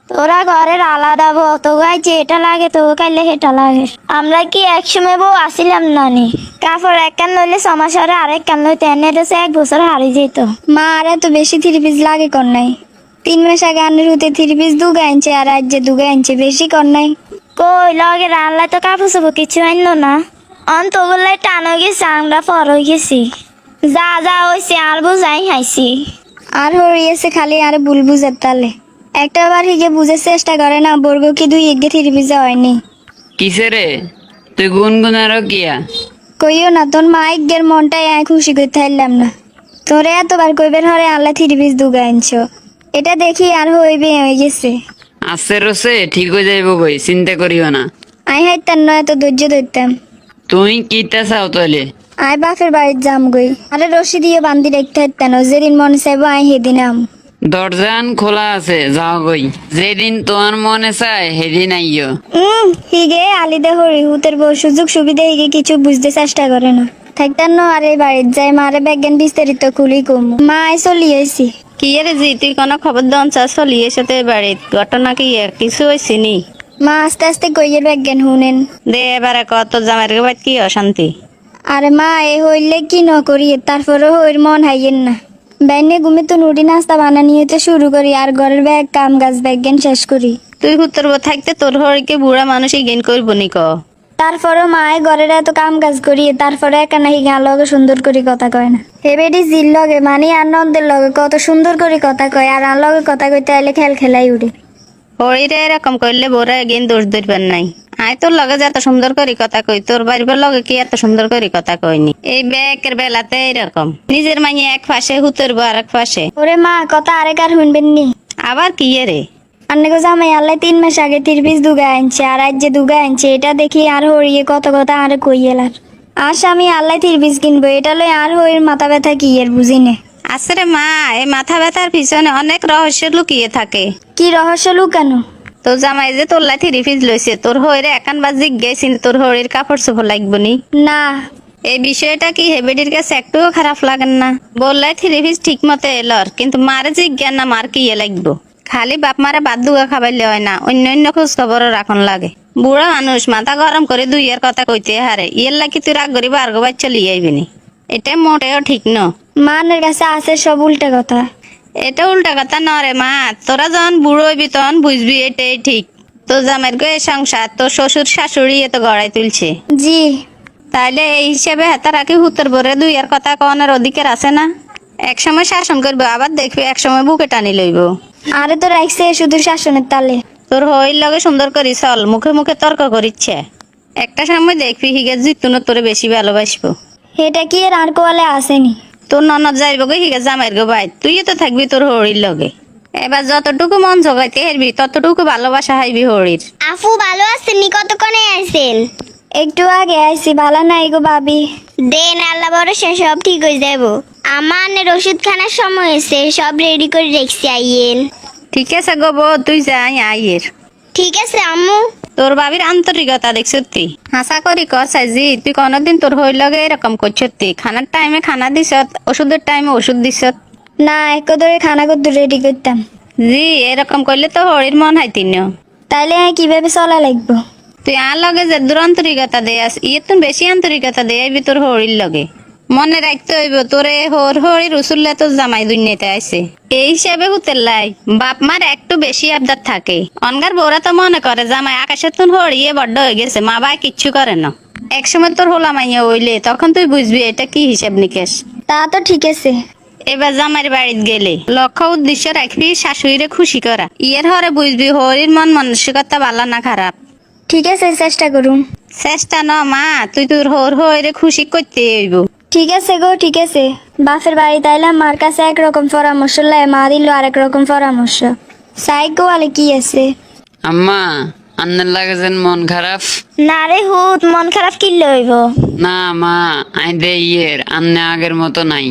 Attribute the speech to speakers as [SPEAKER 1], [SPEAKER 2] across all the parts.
[SPEAKER 1] তোরা ঘরের আলাদা বউ, তো গাই যেটা লাগে তো কাইলে সেটা লাগে। আমরা কি একসময় বউ আসিলাম নানি? কাপড় এক কান লইলে 6 মাস হরে আরেক কান লইতে এনে রয়েছে 1 বছর হারিয়ে যেত।
[SPEAKER 2] মা আর এত বেশি থ্রি পিস লাগে কর নাই। 3 মাস আগে আনের হতে থ্রি পিস দুগা আনছে আর আজ যে দুগা আনছে বেশি কর নাই।
[SPEAKER 1] কই লগে রান্নায় তো কাপড় চোপড় কিছু আনলো না। অন্তগুলাই টান হয়ে গেছে, আমরা পর হয়ে গেছি। যা যা হয়েছে আর বুঝাই হাইছি।
[SPEAKER 2] আর হরিয়েছে খালি আর ভুল বুঝার তালে। একটা বার হিগে বুঝার চেষ্টা করে না, বর্গ কি দুই এগে থ্রি পিস হয়নি।
[SPEAKER 3] কিসে রে তুই গুনগুনারও কিয়া?
[SPEAKER 2] কইও না, তোর মা এগের মনটাই আমি খুশি করতে পারলাম না। তোরে এতবার কইবের হরে আল্লাহ থ্রি পিস দুগা আনছো, এটা দেখি আর হইবে হয়ে গেছে।
[SPEAKER 3] আস্তে রসে ঠিক হয়ে যাইব কই, চিন্তা করিও না।
[SPEAKER 2] আই হাইতাম না এত ধৈর্য ধরতাম।
[SPEAKER 3] তুই কিতা চাও তাহলে?
[SPEAKER 2] আয় বাপের বাড়ির যাম গই, আরে রশি দিয়ে বান্ধি রেখতে হাইতাম, যেদিন মনে চাইব আই সেদিন আম।
[SPEAKER 3] দরজান খোলা আছে, যাও গই। যেদিন তোমার মনে চায় সেদিন আইও।
[SPEAKER 2] হিগে আলিদে হরি হুতের বউ সুযোগ সুবিধা হিগে কিছু বুঝতে চেষ্টা করে না। থাকতাম না আর এই বাড়ির যাই মারে ব্যাজ্ঞান বিস্তারিত খুলি কম। মা আই চলি আইছি।
[SPEAKER 4] কি রে জি, তুই কোনো খবর দন চা চলি এসে বাড়িত ঘটনা কি কিছু হয়েছে নি?
[SPEAKER 2] মা আস্তে আস্তে কইয়ের ব্যাজ্ঞান শুনেন।
[SPEAKER 4] দে এবারে কত জামাইয়ের বাড়িত কি অশান্তি?
[SPEAKER 2] আরে মা এ হইলে কি ন করি, তারপরে হইর মন হাইয়েন না। বাইনে ঘুমে তো নুডি নাস্তা বানানি হতে শুরু করি আর ঘরের ব্যাগ কাম গাছ ব্যাজ্ঞান শেষ করি।
[SPEAKER 4] তুই হুত্তর থাকতে তোর হরিকে বুড়া মানুষই গেন করবো নি ক?
[SPEAKER 2] তারপরে মায়ে ঘরের এত কাম কাজ করি, তারপরে একা নাকি গান লগে সুন্দর করে কথা কয় না। হেবেডি জির লগে মানে আর নন্দের লগে কত সুন্দর করে কথা কয়, আর আর লগে কথা কইতে আইলে খেল খেলাই উঠে।
[SPEAKER 4] হরিরে এরকম করলে বোরা গেন দোষ ধরবেন নাই। আয় তোর লগে যে এত সুন্দর করে কথা কই, তোর বাড়ির লগে কি এত সুন্দর করে কথা কইনি? এই ব্যাকের বেলাতে এরকম নিজের মাইয়ে এক পাশে হুতর বউ আর এক পাশে।
[SPEAKER 2] ওরে মা কথা আরেক আর শুনবেন নি।
[SPEAKER 4] আবার কি রে?
[SPEAKER 2] আন্নে জামাই আল্লাহ 3 মাস আগে 3 পিস দুগা আনছে আর আজ যে দুগা আনছে, এটা দেখি আর হরিয়ে কত কথা আর কই এলার। আর স্বামী আল্লাহ 3 পিস কিনবো, এটা লই আর হরির মাথা ব্যথা কি এর বুঝিনে।
[SPEAKER 4] আসলে মা এই মাথা ব্যথার পিছনে অনেক রহস্য লুকিয়ে থাকে।
[SPEAKER 2] কি রহস্য লুকানো?
[SPEAKER 4] তো জামাই যে তোর লাঠি রিফিজ লইছে, তোর হইরে একান বা জিজ্ঞাসিন তোর হরির কাপড় চোপড় লাগবো নি?
[SPEAKER 2] না।
[SPEAKER 4] এই বিষয়টা কি হেবেডির কাছে একটুও খারাপ লাগেন না? বললাই থ্রি পিস ঠিক মতো এলর, কিন্তু মারে জিজ্ঞান না মার কি লাগবো। খালি বাপ মারা বাদ দুগা খাবাইলে হয় না, অন্য অন্য খোঁজ খবরও রাখন লাগে। বুড়া মানুষ মাথা গরম করে দুইয়ের কথা কইতে হারে, ইয়ের লাগি তুই রাগ করি বার্গ বাচ্চা লিয়ে আইবিনি। এটা মোটেও ঠিক ন।
[SPEAKER 2] মানের কাছে আছে সব উল্টা কথা।
[SPEAKER 4] এটা উল্টা কথা নরে মা, তোরা যখন বুড়ো হইবি তখন বুঝবি এটাই ঠিক। তোর জামের গো সংসার তোর শ্বশুর শাশুড়ি এত গড়াই তুলছে।
[SPEAKER 2] জি।
[SPEAKER 4] তাইলে এই হিসেবে হেতা রাখি হুতর ভরে দুই আর কথা কনের অধিকার আছে না? এক সময় শাসন করবো, আবার দেখবি এক সময় বুকে টানি লইব।
[SPEAKER 2] আরে তো রাখছে শুধু শাসনের তালে।
[SPEAKER 4] তোর হইর লগে সুন্দর করি চল, মুখে মুখে তর্ক করিচ্ছে। একটা সময় দেখবি হিগে জিতুন তোরে বেশি ভালোবাসবো।
[SPEAKER 2] এটা কি এর আর কোয়ালে আসেনি?
[SPEAKER 4] তোর ননদ যাইব গো হিগে জামাইর গো ভাই, তুইও তো থাকবি তোর হরির লগে। এবার যতটুকু মন জগাইতে হেরবি ততটুকু ভালোবাসা হাইবি হরির।
[SPEAKER 1] আফু ভালো আছেন নি? কতক্ষণে আছেন?
[SPEAKER 2] একটু আগে আইছি, ভালো নাই গো ভাবি।
[SPEAKER 1] দেন আল্লাহ ভরসা সব ঠিক হয়ে যাব। আমার ওষুধ খানার সময় হয়েছে, সব রেডি করে রেখছি, আইয়েন।
[SPEAKER 4] ঠিক আছে গো বউ, তুই যাই আইয়ের।
[SPEAKER 1] ঠিক আছে আম্মু।
[SPEAKER 4] তোর বাবির আন্তরিকতা দেখছ তুই, হাসা করি কর সাইজি। তুই কোনদিন তোর হইর লগে এরকম করছ? তুই খানার টাইমে খানা দিছ, ওষুধের টাইমে ওষুধ দিছ।
[SPEAKER 2] না এক ধরে খানা কদ্দু রেডি করতাম।
[SPEAKER 4] জি এরকম করলে তো হরির মন হাইতি ন।
[SPEAKER 2] তাইলে আমি কিভাবে চলা লাগবো?
[SPEAKER 4] তুই আর লগে যে দূর আন্তরিকতা দে আস, ইয়ে তুই বেশি আন্তরিকতা দে আইবি তোর হরির লগে। মনে রাখতে হইব তোরে হরির উসুল্লে তোর জামাই দুনিয়াতে আইছে। এই হিসাবে হুতের লাই বাপ মার একটু বেশি আবদার থাকে। অনগার বউরা তো মনে করে জামাই আকাশের তুন হরিয়ে বড্ড হয়ে গেছে, মা বাই কিচ্ছু করে না। একসময় তোর হোলা মাইয়া হইলে তখন তুই বুঝবি এটা কি হিসাব নিকেশ।
[SPEAKER 2] তা তো ঠিক আছে।
[SPEAKER 4] এবার জামাইয়ের বাড়িতে গেলে লক্ষ্য উদ্দেশ্য রাখবি শাশুড়িরে খুশি করা। ইয়ের হরে বুঝবি হরির মন মানসিকতা ভালো না খারাপ।
[SPEAKER 2] ঠিক আছে চেষ্টা করুন।
[SPEAKER 4] চেষ্টা ন মা, তুই তোর হরে খুশি করতে হইব।
[SPEAKER 2] ঠিক আছে গো ঠিক আছে। বাপের বাড়ি তাইলাম, মার কাছে একরকম পরামর্শ লাই, মা দিল আরেক রকম পরামর্শ। সাইক গোয়ালে কি আছে?
[SPEAKER 3] আম্মা আন্নের লাগে যেন মন খারাপ।
[SPEAKER 1] না রে হুত, মন খারাপ কি লইব?
[SPEAKER 3] না মা, আই দে ইয়ের আন্নে আগের মতো নাই।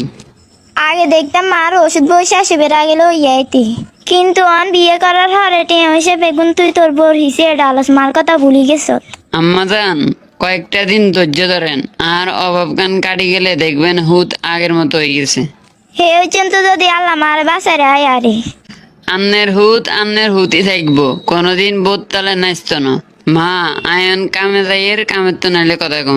[SPEAKER 1] আগে দেখতাম মার ওষুধ বসে আসে বেড়া গেল ইয়াইতি, কিন্তু অন বিয়ে করার হরে টিয়া হয়েছে বেগুন তুই তোর বোর হিসে ডালস মার কথা ভুলি গেছ।
[SPEAKER 3] আম্মা যান কয়েকটা দিন ধৈর্য ধরেন, আর অভাব গান কাটি গেলে দেখবেন হুত আগের মতো হয়ে গেছে।
[SPEAKER 1] হে ওই তো যদি আল্লাহ মার বাসায় আয় আরে।
[SPEAKER 3] আন্নের হুতি থাকবো, কোনোদিন বোধ তালে নাচত না। মা আয়ন কামে যাইয়ের, কামের তো নাইলে কথা কম।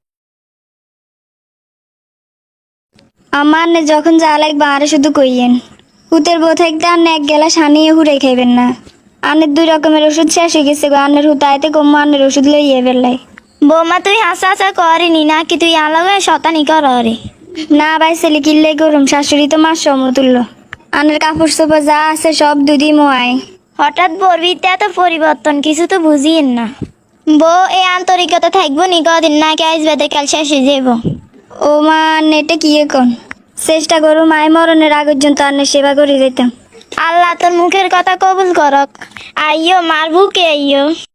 [SPEAKER 2] আমার যখন যা লাগবে আরে শুধু কইয়েন। হুতের বউ থাকতে আন্নে এক গেলা সানিয়ে হুড়ে খাইবেন না। আন্নের 2 রকমের ওষুধ শেষ হয়ে গেছে গো, আন্নের হুত আইতে কম আন্নের ওষুধ লইয়ে বেলায়।
[SPEAKER 1] বৌমা তুই হাসা হাসা করিনি নাকি তুই আলাদা শতানি কর রে?
[SPEAKER 2] না ভাই ছেলে কিনলে গরম, শাশুড়ি তো মার সমতুল্য। আন্নের কাপড় চোপড় যা আছে সব দুধই মোয়ায়।
[SPEAKER 1] হঠাৎ বলবিতে এত পরিবর্তন কিছু তো বুঝিয়েন না। বউ এই আন্তরিকতা থাকবো নি কদিন নাকি আসবে কাল শেষে যাব?
[SPEAKER 2] ও মা নেটে কি এখন চেষ্টা করো মায় মরণের আগ পর্যন্ত আন্নের সেবা করে যেতাম।
[SPEAKER 1] আল্লাহ তোর মুখের কথা কবুল করক। আইয়ো মার বুকে আইয়ো।